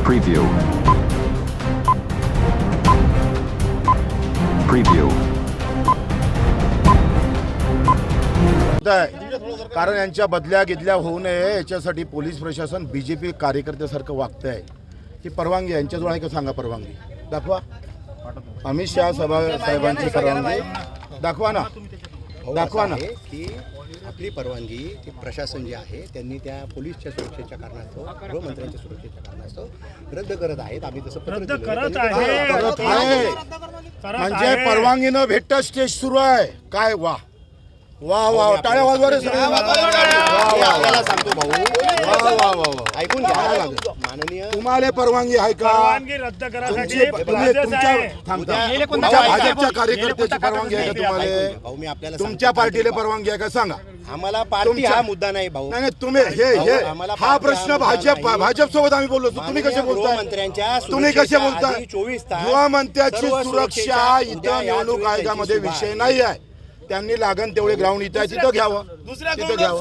Preview. Preview. कारण यांच्या बदल्या गिदल्या होऊ नये याच्यासाठी पोलीस प्रशासन बीजेपी कार्यकर्त्यासारखं वागत आहे. ही परवानगी यांच्याजवळ आहे का सांगा? परवानगी दाखवा. अमित शहा साहेबांची परवानगी दाखवा ना, दाखवा ना. की आपली परवानगी ती प्रशासन जे आहे त्यांनी त्या पोलीसच्या सुरक्षेच्या कारणास्तव, गृहमंत्र्यांच्या सुरक्षेच्या कारणास्तव रद्द करत आहेत. आम्ही तसं पत्र दिलं करत आहे. म्हणजे परवानगी न भेटता स्टेज सुरू आहे. काय वा वा वा, टाळ्या वाजवा रे सगळे. आपल्याला सांगतो भाऊ, वा वा वा वा, ऐकून घ्या. माननीय तुम्हाला परवानगी आहे का? परवानगी रद्द करायसाठी तुमच्या भाजपच्या कार्यकर्त्याची परवानगी आहे का तुम्हाला? भाऊ मी आपल्याला तुमच्या पार्टीला परवानगी आहे का सांगा? आम्हाला पार्टी हा मुद्दा नाही भाऊ. नाही तुम्ही हे हा प्रश्न भाजप सोबत आम्ही बोललो. तुम्ही कसे बोलताय? गृहमंत्र्यांच्या तुम्ही कसे बोलताय? 24 तास गृहमंत्र्याची सुरक्षा इथं निवडणूक आयोगामध्ये विषय नाही आहे. त्यांनी लागण तेवढे ग्राउंड इथं आहे तिथं घ्यावं, तिथं घ्यावं.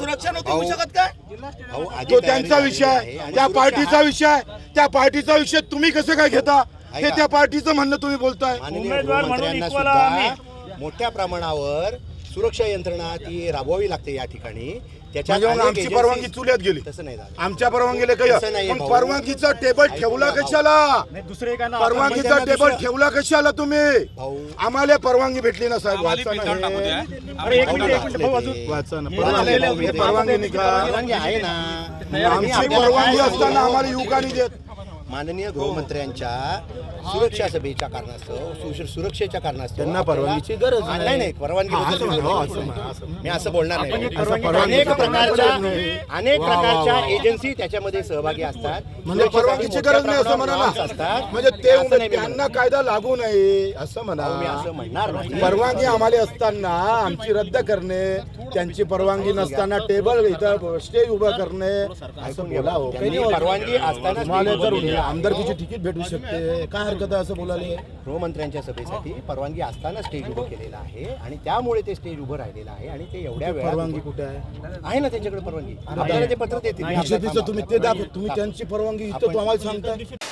तो त्यांचा विषय आहे, त्या पार्टीचा विषय आहे. त्या पार्टीचा विषय तुम्ही कसं काय घेता? हे त्या पार्टीचं म्हणणं तुम्ही बोलताय. उमेदवार म्हणून गृहमंत्र्यांना equal सुद्धा आम्ही. मोठ्या प्रमाणावर सुरक्षा यंत्रणा ती राबवावी लागते या ठिकाणी. म्हणजे मग आमची परवानगी चुल्यात गेली. तसं नाही झालं. आमच्या परवानगीला तसं नाहीये काही भाऊ. परवानगीचा टेबल ठेवला कशाला? परवानगीचा टेबल ठेवला कशाला तुम्ही? भाऊ आम्हाला परवानगी भेटली ना साहेब. वाचा ना अरे एक मिनिट भाऊ, अजून वाचा ना. परवानगी नाही का? परवानगी आहे ना. आमची परवानगी असताना आम्हाला येऊ का नाही देत? माननीय गृहमंत्र्यांच्या सुरक्षा सभेच्या कारणास्तव, सुरक्षेच्या कारणास्तव त्यांना परवानगीची गरज नाही. नाही परवानगी बद्दल मी असं बोलणार नाही. परवानगी अनेक प्रकारच्या एजन्सी त्याच्यामध्ये सहभागी असतात. म्हणजे परवानगीची गरज नाही असं म्हणा ना. असतात. म्हणजे ते त्यांना कायदा लागू नये असं म्हणा. मी असं म्हणणार नाही. परवानगी आम्हाला असताना आमची रद्द करणे, त्यांची परवानगी नसताना टेबल इथं स्टेज उभं करणे असं बोला हो. त्यांनी परवानगी असताना तुम्हाला जर आमदारकीची तिकीट भेटू शकते, काय हरकत आहे असं बोलायला? गृहमंत्र्यांच्या सभेसाठी परवानगी असताना स्टेज उभं केलेलं आहे आणि त्यामुळे ते स्टेज उभं राहिलेलं आहे. आणि ते एवढ्या वेळा परवानगी कुठे आहे? आहे ना त्यांच्याकडे परवानगी. आपल्याला ते पत्र देतील. बीजेपीचं तुम्ही ते दाखव. तुम्ही त्यांची परवानगी इथं तुम्हाला सांगता.